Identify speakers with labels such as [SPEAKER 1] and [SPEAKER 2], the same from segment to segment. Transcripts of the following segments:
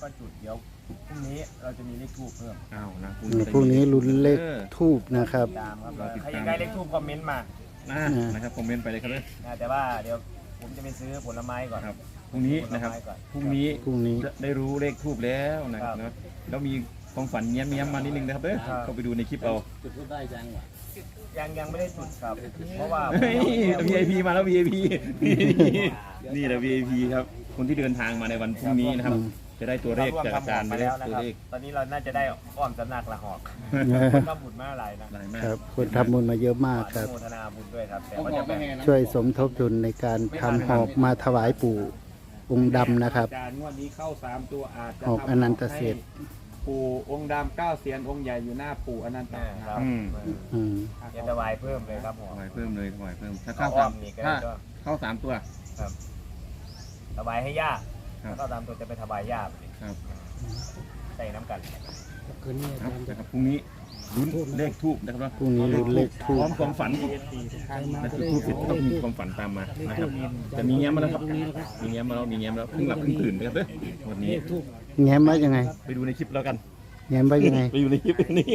[SPEAKER 1] ก็จุดเดี๋ยวพรุ่งนี้เราจะมีเลขทูบเพิ่ม
[SPEAKER 2] อ้าวนะ
[SPEAKER 3] พรุ่งนี้ลุ้นเลขทูบนะครับ
[SPEAKER 1] ตามครับใครอยากได้เลขทูบคอมเมนต์มา
[SPEAKER 2] นะครับคอมเมนต์ไปเลยครับเลย
[SPEAKER 1] แต่ว่าเดี๋ยวผมจะไปซื้อผลไม้ก่อน
[SPEAKER 2] ครับพรุ่งนี้นะครับพรุ่งนี้จะได้รู้เลขทูบแล้วนะครับเนาะแล้วมีความฝันเงี้ยมานิดนึงนะครับเด้อเข้าไปดูในคลิปเอา
[SPEAKER 4] จุดทูบได้ยังวะ
[SPEAKER 1] ยังไม่ได้จุดครับเพราะว่า
[SPEAKER 2] VIP มาแล้ว VIP นี่แหละ VIP ครับคนที่เดินทางมาในวันพรุ่งนี้นะครับจะได้ตัวเลขจากอาจารย์ไปแล้วตัวเลข
[SPEAKER 1] ตอนนี้เราน่าจะได้อ้อมสำนักละหอกคนทำบุญมาหลายนะ
[SPEAKER 2] หลายมาก
[SPEAKER 3] ครับคนทำบุญมาเยอะมากครับ
[SPEAKER 1] โมทนาบุญด้วยครับแต่
[SPEAKER 4] ต้อง
[SPEAKER 1] ว่า
[SPEAKER 4] บอ
[SPEAKER 1] จะ
[SPEAKER 4] ก
[SPEAKER 1] แบ
[SPEAKER 4] ไม่
[SPEAKER 1] บ
[SPEAKER 4] แน่นะ
[SPEAKER 3] ช่วยสมทบทุนในการทำหอกมาถวายปู่องค์ดำนะครับ
[SPEAKER 5] อาจารย์งวดนี้เข้า3ตัวอาจจะ
[SPEAKER 3] หอกอนันตเศรษฐ์
[SPEAKER 5] ปู่องค์ดำ9เสียนองค์ใหญ่อยู่หน้าปู่อนันต
[SPEAKER 1] ครับ
[SPEAKER 3] อืม
[SPEAKER 1] จะถวายเพิ่มเลยครับผม
[SPEAKER 2] ถวายเพิ่มเลยถวายเพิ่มถ้า
[SPEAKER 1] เอา
[SPEAKER 2] เข้า
[SPEAKER 1] อ้อ
[SPEAKER 2] สาม
[SPEAKER 1] มนี่ก็
[SPEAKER 2] ถ้า
[SPEAKER 1] ได้ก็
[SPEAKER 2] เข้า3ตัว
[SPEAKER 1] ครับถวายให้ย่า
[SPEAKER 2] ครับ
[SPEAKER 1] แล้วก็ตามตัวจะไปถวายย่าไปดิ
[SPEAKER 2] ครับ
[SPEAKER 1] ใส่น้ำกัน
[SPEAKER 4] คืนนี้อาจารย์จะ
[SPEAKER 2] นะครับพรุ่งนี้ลุ้นเลขทูบนะครับเนาะ
[SPEAKER 3] พรุ่งนี้ลุ้นเลขทู
[SPEAKER 2] พ
[SPEAKER 3] บ
[SPEAKER 2] ร้อมความฝันนะจุดทูบเสร็จก็ต้องมีความฝันตามมานะครับจะมีแง้มมาแล้วครับมีแง้มมาแล้วเพิ่งหลับเพิ่งตื่นนะครับเด้อวันนี้
[SPEAKER 3] แง้มไว้ยังไง
[SPEAKER 2] ไปดูในคลิปแล้วกัน
[SPEAKER 3] แง้มไว้ยังไง
[SPEAKER 2] ไปอยู่ในคลิปนี้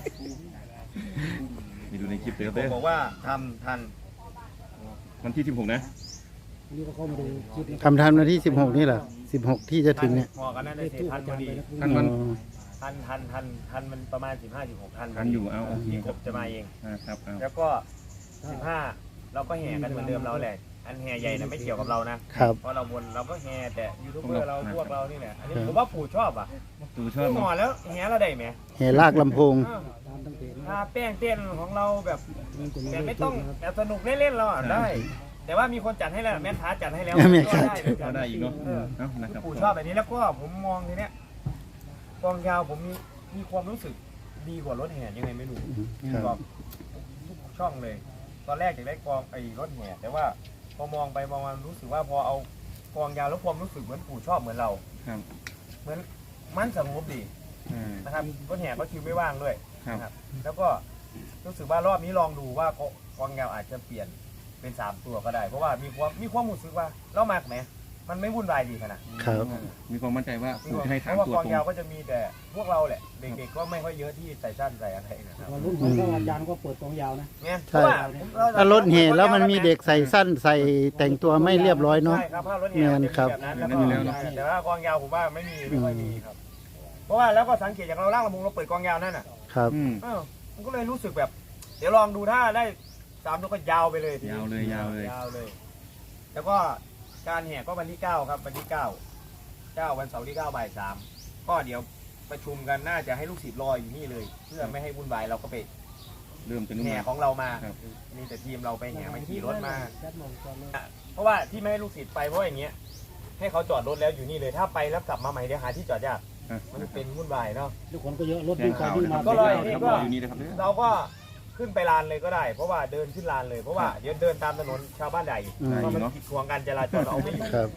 [SPEAKER 2] ไปดูในคลิปเลยครับ
[SPEAKER 1] ผม
[SPEAKER 2] เด้อ
[SPEAKER 1] บอกว่าทำทัน
[SPEAKER 2] วันที่16นะ
[SPEAKER 4] นี่ก็เข้ามาดูคลิป
[SPEAKER 3] ทำทันวันที่ 16 นี่เหรอ 16 ที่จะถึงเนี่ย
[SPEAKER 1] พอกันนั่นได้เสร็จทันพอดี
[SPEAKER 2] ท่านมัน
[SPEAKER 3] อ๋อ
[SPEAKER 1] ทันมันประมาณ15-16ทัน
[SPEAKER 2] ทันอยู่เอาโอเค
[SPEAKER 1] ที่
[SPEAKER 2] ค
[SPEAKER 1] ก
[SPEAKER 2] รับบ
[SPEAKER 1] จะมาเอง
[SPEAKER 2] ครับเอา
[SPEAKER 1] แล้วก็15เราก็แห่กันเหมือนเดิมเราแหละอันแห่ใหญ่นะไม่เกี่ยวกับเรานะครับ เพราะเราบนเราก็แห่แต่ยูทูบเบอร์เราพวกเรานี่แหละอันนี้ผมว่าปู่ชอบอ่ะ
[SPEAKER 2] ตูชอบ
[SPEAKER 1] หมอแล้วแห่เราได้ไหม
[SPEAKER 3] แห่ลากลำโพง
[SPEAKER 4] ตามตั้งแต่
[SPEAKER 1] ถ้าแป้งเต้นของเราแบบแต่ไม่ต้องแบบสนุกเล่นๆเราอ่ะได้ แต่ว่ามีคนจัดให้แล้วแม่ค้าจัดให้แล้ว
[SPEAKER 3] แม่ค้า
[SPEAKER 2] ก็ได้อีกเนาะเอานะครับ
[SPEAKER 1] ปู่ชอบแบบนี้แล้วก็ผมมองทีเนี้ยกองยาวผมมีความรู้สึกดีกว่ารถแห่ยังไงไม่รู้
[SPEAKER 3] ครับ
[SPEAKER 1] บอกทุกช่องเลย ตอนแรกอยากได้กองไอ้รถแห่แต่ว่าพอมองไปมองมารู้สึกว่าพอเอากองยาวแล้วความรู้สึกเหมือนปู่ชอบเหมือนเรา
[SPEAKER 2] ครับ
[SPEAKER 1] เหมือนมันสงบดี นะครับรถแห่ก็คิวไม่ว่างด้วย
[SPEAKER 2] ครับ
[SPEAKER 1] นะครับแล้วก็รู้สึกว่ารอบนี้ลองดูว่ากองยาวอาจจะเปลี่ยนเป็น3ตัวก็ได้ เพราะว่ามีความรู้สึกว่าเรามากไหมมันไม่วุ่นวายดีขนาด
[SPEAKER 3] ครับ
[SPEAKER 2] มีความมั่นใจว่าปู่จะให้
[SPEAKER 1] เพ
[SPEAKER 2] ถาม
[SPEAKER 1] ราะว่า
[SPEAKER 2] ตัว
[SPEAKER 1] กอง
[SPEAKER 2] ตรง
[SPEAKER 1] ยาวก็จะมีแต่พวกเราแหละเด็กๆก็ไม่ค่อยเยอะที่ใส่สั้นใส่อะไรนะครับ
[SPEAKER 4] วันรุ่นของอาจารย์ก็เปิดกองยาวนะ
[SPEAKER 1] เนี่ยเพ
[SPEAKER 3] ใช่
[SPEAKER 1] ราะว่า
[SPEAKER 3] ถ้ารถแห่แล้วมันมีเด็กใส่สั้นใส่แต่งตัวไม่เรียบร้อยเนาะ
[SPEAKER 1] ใช่ครับถ้ารถแห่มันจะมีแบบนั้นแล้วก็แต่ว่ากองยาวผมว่าไม่ค่อยมีครับ เพราะว่าแล้วก็สังเกตจากเราล่างลำบุงเราเปิดกองยาวนั่นน่ะ
[SPEAKER 3] ครับ
[SPEAKER 1] มันก็เลยรู้สึกแบบ เดี๋ยวลองดูถ้าได้3ตัวก็ยาวไปเลยทีนี้
[SPEAKER 2] ยาวเลย
[SPEAKER 1] ยาวเลย แล้วก็การแห่ก็วันที่9ครับวันที่9วันเสาร์ที่9บ่าย3ก็เดี๋ยวประชุมกันน่าจะให้ลูกศิษย์รออยู่นี่เลย เพื่อไม่ให้วุ่นวายเราก็ไป
[SPEAKER 2] เริ่มจะนุ่ม
[SPEAKER 1] แห่ของเรามา
[SPEAKER 2] ครับ
[SPEAKER 1] มีแต่ทีมเราไปแห่มาขี่รถมา เพราะว่าที่ไม่ให้ลูกศิษย์ไปเพราะอย่างเงี้ยให้เขาจอดรถแล้วอยู่นี่เลยถ้าไปแล้วกลับมาใหม่เดี๋ยวหาที่จอดยากมันเป็นวุ่นวายเนาะ
[SPEAKER 4] ทุกคนก็เยอะรถ
[SPEAKER 2] แจ้
[SPEAKER 4] วิ่
[SPEAKER 2] ง
[SPEAKER 4] งไป
[SPEAKER 2] ข่าว
[SPEAKER 4] วิ่ง
[SPEAKER 2] นะค
[SPEAKER 4] มา
[SPEAKER 2] รับ
[SPEAKER 1] ก็เลย
[SPEAKER 2] ครับรออยู่นี่นะครับเนี่ย
[SPEAKER 1] เราก็ขึ้นไปลานเลยก็ได้ เพราะว่าเดินขึ้นลานเลยเพราะว่าเดี๋ยวเดินตามถนนชาวบ้านใหญ่
[SPEAKER 3] อืม
[SPEAKER 1] เพราะมันขีดขวางการจราจรเอาไม่อยู่
[SPEAKER 3] ครับ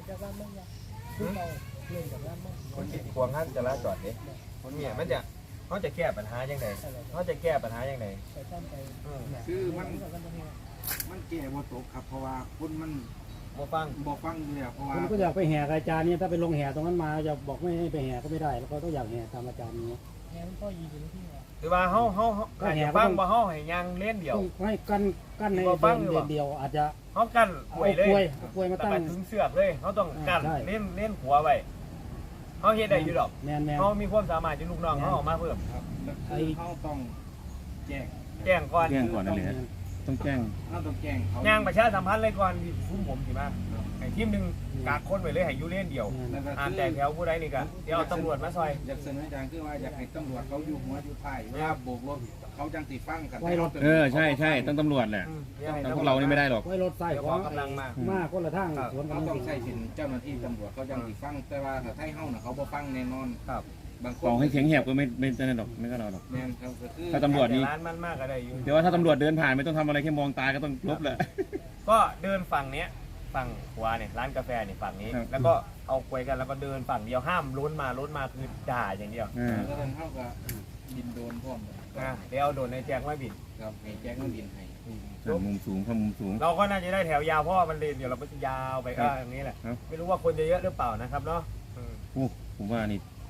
[SPEAKER 1] คนขีดขวางการจราจรเนี่ยคนเนี่ยมันจะเขาจะแก้ปัญหายังไงเขาจะแก้ปัญหายังไง
[SPEAKER 5] คือมันแก่บ่ตกครับเพราะว่าคุณมัน
[SPEAKER 1] มาฟัง
[SPEAKER 5] บ่ฟังอยู่แล้วเพราะว่า
[SPEAKER 4] คนก็อยากไปแห่กับอาจารย์เนี่ยถ้าไปลงแห่ตรงนั้นมาจะบอกไม่ให้ไปแห่ก็ไม่ได้แล้วก็ต้องอยากแห่ตามอาจารย์นี้
[SPEAKER 1] หรือว่าเขาอาจจะฟังว่าเขาให้ยังเล่นเดียว
[SPEAKER 4] ต้องให้กั้นใน
[SPEAKER 1] บ่ฟังหรือ
[SPEAKER 4] เดื
[SPEAKER 1] เป
[SPEAKER 4] อ
[SPEAKER 1] ล่า
[SPEAKER 4] นเดียวอาจจะ
[SPEAKER 1] เขากั้นหวยเลย
[SPEAKER 4] เอากล้วยมา
[SPEAKER 1] แต่
[SPEAKER 4] ตั้ง
[SPEAKER 1] ไปถึงเสือกเลยเขาต้องกั้น
[SPEAKER 4] ใช่
[SPEAKER 1] เล่นหัวไว้เขาเฮ็ดได้อยู่ดอก
[SPEAKER 4] แมน
[SPEAKER 1] เขามีความสามารถที่ลูกน้องเขาออกมาเพิ่ม
[SPEAKER 5] ครับก็คือเขาต้องแจ้ง
[SPEAKER 1] แจ้งก่อน
[SPEAKER 2] แจ้งก่อนนั่นเลยฮะต้องแจ้ง
[SPEAKER 5] เขาต้องแจ้งเขา
[SPEAKER 1] ย่างประชาสัมพันธ์เลยก่อนคุ้มผมสิมาไอ้ทีมหนึ่งกากคนไปเลยให้อยูเล่นเดียว
[SPEAKER 5] แล้วก็
[SPEAKER 1] อ่าน
[SPEAKER 5] คือ
[SPEAKER 1] แต่แถวผู้ใดนี่ก็เดี๋ยวเอาตำรวจมาซอย
[SPEAKER 5] อยากเสนออย่างคือว่าอยากให้ตำรวจเขาอยู่หัวอยู่ท้ายเวลาโบกรถเขาจังติฟังกัน
[SPEAKER 2] ใช่ต้องตำรวจแหละ
[SPEAKER 1] ดี๋ยวให้
[SPEAKER 2] ต้องพวกเรานี่ไม่ได้หรอก
[SPEAKER 4] ไว้รถใส่
[SPEAKER 1] เดี๋ยว
[SPEAKER 4] ข
[SPEAKER 1] ข
[SPEAKER 4] อ
[SPEAKER 1] อง กำลังมา
[SPEAKER 4] มากคนละทางสวนกั
[SPEAKER 5] เขา
[SPEAKER 4] น
[SPEAKER 5] ต้องใช้สินเจ้าหน้าที่ตำรวจเขาจังติฟังแต่ว่าถ้าไทยเฮาน่ะเขาบ่ฟังแน่นอน
[SPEAKER 1] ครับ
[SPEAKER 5] บางค
[SPEAKER 2] ต่อน ให้เสียงแหบก็ไม่ได้หรอกไม่ก็เราหรอก
[SPEAKER 5] แม่นครับก็คือ
[SPEAKER 2] ถ้าตำรวจนี่
[SPEAKER 1] แต่ร้านมันมากก็ได้อยู่
[SPEAKER 2] เดี๋ยวว่าถ้าตำรวจเดินผ่านไม่ต้องทำอะไรแค่มองตาก็ต้องลบแหละ
[SPEAKER 1] ก็เดินฝั่งเนี้ยฝั่งขวาเนี่ยร้านกาแฟเนี่ยฝั่งนี้
[SPEAKER 2] ครับ
[SPEAKER 1] แล้วก็เอาควยกันแล้วก็เดินฝั่งเดียวห้ามล้นมาคือด่าอย่างเดียว
[SPEAKER 5] แล้วเฮาก็บินโดรนพร้อม
[SPEAKER 1] เดี๋ยวเอาโดนในแจงไว้บิด
[SPEAKER 5] ครับให้แจ้งมันบินให้
[SPEAKER 2] มุมสูงข้ามุมสูง
[SPEAKER 1] เราก็น่าจะได้แถวยาวเพราะว่ามันเลนเดี๋ยวเราก็จะยาวไปก็อย่างนี้แหละ
[SPEAKER 2] ครับ
[SPEAKER 1] ไม่รู้ว่าคนจะเยอะหรือเปล่านะครับเนาะ
[SPEAKER 2] โอ้ผมว่านี่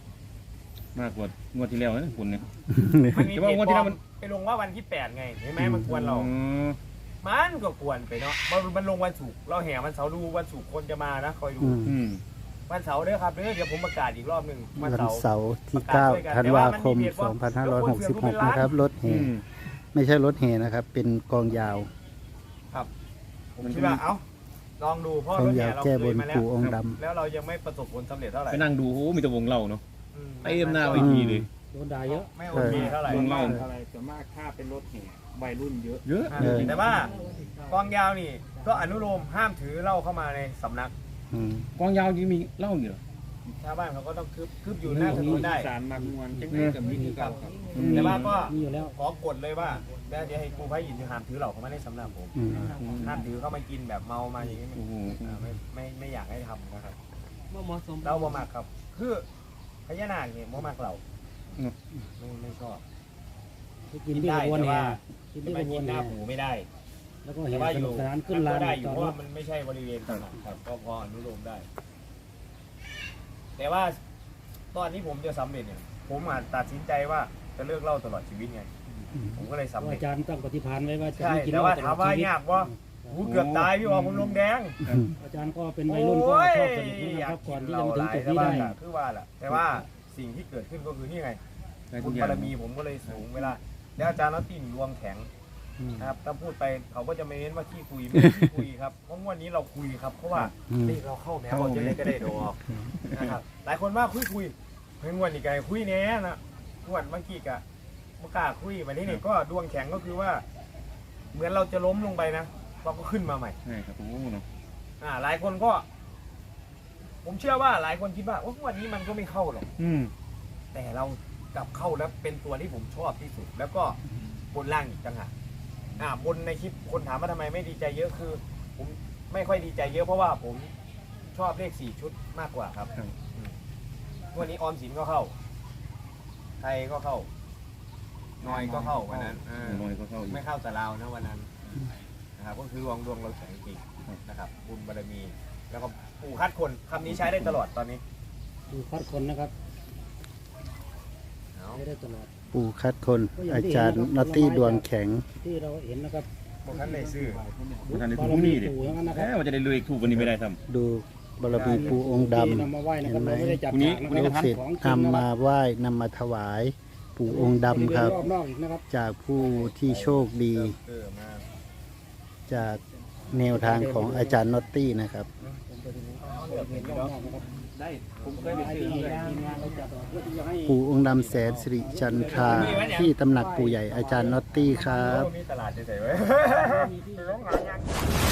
[SPEAKER 2] มากกว่างวดที่แล้วนะคุณเนี่ย
[SPEAKER 1] มันมี
[SPEAKER 2] แต่
[SPEAKER 1] เพ
[SPEAKER 2] ว่า
[SPEAKER 1] จ
[SPEAKER 2] งวด
[SPEAKER 1] ป
[SPEAKER 2] ที่
[SPEAKER 1] ล
[SPEAKER 2] แล้
[SPEAKER 1] อ
[SPEAKER 2] ว
[SPEAKER 1] ม
[SPEAKER 2] มัน
[SPEAKER 1] ไปลงว่าวันที่8ไงเห็นไหมมันกวนเรา
[SPEAKER 2] อ๋อ
[SPEAKER 1] มันก็กวนไปเนาะมันลงวันศุกร์เราแห่วันเสาร์ดูวันศุกร์คนจะมานะคอยดู
[SPEAKER 2] อืม
[SPEAKER 1] วันเสาร์เด้อครับเดี๋ยวผมประกาศอีกรอบหนึ่งวั
[SPEAKER 3] วัน น
[SPEAKER 1] เสาร์
[SPEAKER 3] เสาร์ที่ 9 ธันวาคม 2566 นะครับ รถแห่ ไม่ใช่รถแห่นะครับ เป็นกองยาว
[SPEAKER 1] ผมคิดว่าลองดูเพราะ
[SPEAKER 3] กอ
[SPEAKER 1] รง ถ
[SPEAKER 3] ยา
[SPEAKER 1] แห่
[SPEAKER 3] ว
[SPEAKER 1] เรา
[SPEAKER 3] แก้
[SPEAKER 1] เค
[SPEAKER 3] บ
[SPEAKER 1] ย
[SPEAKER 3] น
[SPEAKER 1] มาแล้ว
[SPEAKER 3] ปู่องค์ด
[SPEAKER 1] แล้วเรายังไม่ประสบผลสำเร็จเท่าไหร่
[SPEAKER 2] ไปนั่งดูโอ้มีแต่วงเล่าเนาะ
[SPEAKER 1] อื
[SPEAKER 2] เต็มหน้าเวทีเลย
[SPEAKER 4] โดนด่าเยอะ
[SPEAKER 1] ไม่โอเคเท่าไหร่
[SPEAKER 2] วงเล่า
[SPEAKER 5] อะไรส่วนมากถ้าเป็นรถแห่วัยรุ่นเยอะ
[SPEAKER 2] เยอะ
[SPEAKER 1] แต่ว่ากองยาวนี่ก็อนุโลมห้ามถือเหล้าเข้ามาในสำนัก
[SPEAKER 3] ำอืม
[SPEAKER 2] กองยาวยังมีเหล้าอยู่เหรอ
[SPEAKER 1] ชาวบ้านเขาก็ต้องคืบอยู่หน้าถนนได้
[SPEAKER 5] สารมากมวลจังได้กับมิตรเก่าครับ
[SPEAKER 1] แต่ว่าก็
[SPEAKER 4] มีอยู่แล้ว
[SPEAKER 1] ขอกฎเลยว่าเดี๋ยวให้ครูพายยินห้ามถือเหล้าเข้ามาในสำนักผม
[SPEAKER 3] อืม
[SPEAKER 1] ห้ามถือเข้ามากินแบบเมามาอย่างนี้
[SPEAKER 2] โอ้โห
[SPEAKER 1] ไม่อยากให้ทำนะครับเราบ่มักครับ คือพญานาคเนี่ยบ่มักเราไม่ชอบ
[SPEAKER 4] ไปกินที่กระบวนแห่กินที่ก
[SPEAKER 1] ไม่
[SPEAKER 4] ระบ
[SPEAKER 1] กิ
[SPEAKER 4] วน น
[SPEAKER 1] ห
[SPEAKER 4] แห่
[SPEAKER 1] น้าหูไม่ได้
[SPEAKER 4] แล้วก็
[SPEAKER 1] แต่
[SPEAKER 4] แห่
[SPEAKER 1] ว่า
[SPEAKER 4] ส
[SPEAKER 1] อ
[SPEAKER 4] นุ
[SPEAKER 1] ยู่
[SPEAKER 4] กสนานขึ้น
[SPEAKER 1] มัน
[SPEAKER 4] ลา
[SPEAKER 1] ก็
[SPEAKER 4] น
[SPEAKER 1] ได้อยู่
[SPEAKER 4] จอด
[SPEAKER 1] เพราะ
[SPEAKER 4] ร
[SPEAKER 1] ว่า
[SPEAKER 4] ถ
[SPEAKER 1] มันไม่ใช่บริเวณตลาดครับก็พออนุโลมได้ แต่ว่าตอนนี้ผมจะสำเร็จเนี่ยผมอาจตัดสินใจว่าจะเลิกเหล้าตลอดชีวิตไง ผมก็เลยสำเร็จ
[SPEAKER 4] อาจารย์ตั้งปฏิภาณไว้ว่าจะ
[SPEAKER 1] ใช่
[SPEAKER 4] ไม่กิน
[SPEAKER 1] แต่
[SPEAKER 4] เหล้า
[SPEAKER 1] ว่า
[SPEAKER 4] ตล
[SPEAKER 1] ถา
[SPEAKER 4] อ
[SPEAKER 1] ม
[SPEAKER 4] ด
[SPEAKER 1] ว่า
[SPEAKER 4] ชีวิต
[SPEAKER 1] ยากว่าหูเกือบตายพี่ว่าผมลมแดง
[SPEAKER 4] อาจารย์ก็เป็นวัยรุ่นก็ชอบสนุกนะครับก่อนที่จะมาถึงจุดนี้ได้
[SPEAKER 1] คือว่าแหละแต่ว่าสิ่งที่เกิดขึ้นก็คือนี่ไง
[SPEAKER 2] ได้ทุ
[SPEAKER 1] บุ
[SPEAKER 2] ก
[SPEAKER 1] ญ
[SPEAKER 2] อย่า
[SPEAKER 1] บาง รมีผมก็เลยสูงเวลาแล้วอาจารย์นัตตี้รวมแข็ง
[SPEAKER 4] อืม
[SPEAKER 1] นะครับถ้าพูดไปเขาก็จะไม่เน้นว่าขี้คุยไม่ได้ขี้คุยครับเพราะวันนี้เราคุยครับเพราะว่า
[SPEAKER 3] อืม
[SPEAKER 1] นี่เราเข้าแมวเราจะได้ก็ได้ดอกนะครับหลายคนว่าคุยเพิ่งวันนี้ไงคุยแน่นะวันเมื่อกี้กะเมื่อกล้าคุยวันนี้เนี่ยก็ดวงแข็งก็คือว่า เหมือนเราจะล้มลงไปนะเราก็ขึ้นมาใหม่
[SPEAKER 2] ใช่ครับโอ้โหเนาะ
[SPEAKER 1] หลายคนก็ ผมเชื่อว่าหลายคนคิดว่าวันนี้มันก็ไม่เข้าหรอก
[SPEAKER 2] อืม
[SPEAKER 1] แต่เรากลับเข้าแล้วเป็นตัวที่ผมชอบที่สุด แล้วก็บนล่างอีกต่างหากบนในคลิปคนถามว่าทำไมไม่ดีใจเยอะคือ ผมไม่ค่อยดีใจเยอะเพราะว่าผมชอบเลข4 ชุดมากกว่าครับวันนี้ออมสินก็เข้าไทยก็เข้า นอยก็เข้าวันนั้น
[SPEAKER 2] น้อยก็เข้าอีก
[SPEAKER 1] ไม่เข้าแต่เราวนะวันนั้นนะครับก็คือดวงเราแข็งจริงนะครับบุญบารมี แล้วก็ปู่คัดคนคำนี้ใช้ได้ตลอดตอนนี้
[SPEAKER 4] ดูคัดคนนะครับ
[SPEAKER 1] เอา
[SPEAKER 4] ไม่ได้ตลอด
[SPEAKER 3] ปู่คัดคน อาจารย์นอตตี้ดวงแข็ง
[SPEAKER 4] ที่เราเห็นนะครับ
[SPEAKER 1] บางท่านได้ซื้อ
[SPEAKER 2] ประธานใน
[SPEAKER 4] บา
[SPEAKER 2] ทุ
[SPEAKER 4] ร
[SPEAKER 2] ก
[SPEAKER 4] มี
[SPEAKER 2] นี่ดิ
[SPEAKER 4] ปู่อย่างนั้นนะค
[SPEAKER 2] แห
[SPEAKER 4] รับ
[SPEAKER 2] มว่าจะได้รวยอีกทูบวันนี้ไม่ได้ท
[SPEAKER 3] ดูบารมีปู่องค์ด
[SPEAKER 4] ที่นำมาไหว้นะครับเราไม่ได้จับ
[SPEAKER 2] พรุ่งนี้
[SPEAKER 4] ฉากนะ
[SPEAKER 3] ำ
[SPEAKER 4] ค
[SPEAKER 3] ลู
[SPEAKER 4] รับ
[SPEAKER 3] กศิษย์
[SPEAKER 4] ของจริงนะ
[SPEAKER 3] นำ
[SPEAKER 4] ค
[SPEAKER 3] มา
[SPEAKER 4] รับ
[SPEAKER 3] ไหว้นำมาถวาย ปู่องค์ดำครับ
[SPEAKER 4] รอบนอกอีกนะครับ
[SPEAKER 3] จากผู้ที่โชคดี
[SPEAKER 1] มา
[SPEAKER 3] จากแนวทางของอาจารย์นอตตี้นะครับ
[SPEAKER 4] เห็นรอบนอกนะครับ
[SPEAKER 5] ได้ผมเคยไป
[SPEAKER 4] ไอ้
[SPEAKER 5] ซื้อ
[SPEAKER 4] ที่
[SPEAKER 5] เลย
[SPEAKER 4] ทีมงานเราจัดเพื่อที่จะให้
[SPEAKER 3] ปู่องค์ดำแสนสิริจันทราที่ตำหนักปู่ใหญ่อาจารย์นอตตี้ครับ
[SPEAKER 1] มีตลาดจะใส่ไว้
[SPEAKER 4] มีที่
[SPEAKER 1] ร้องหายัง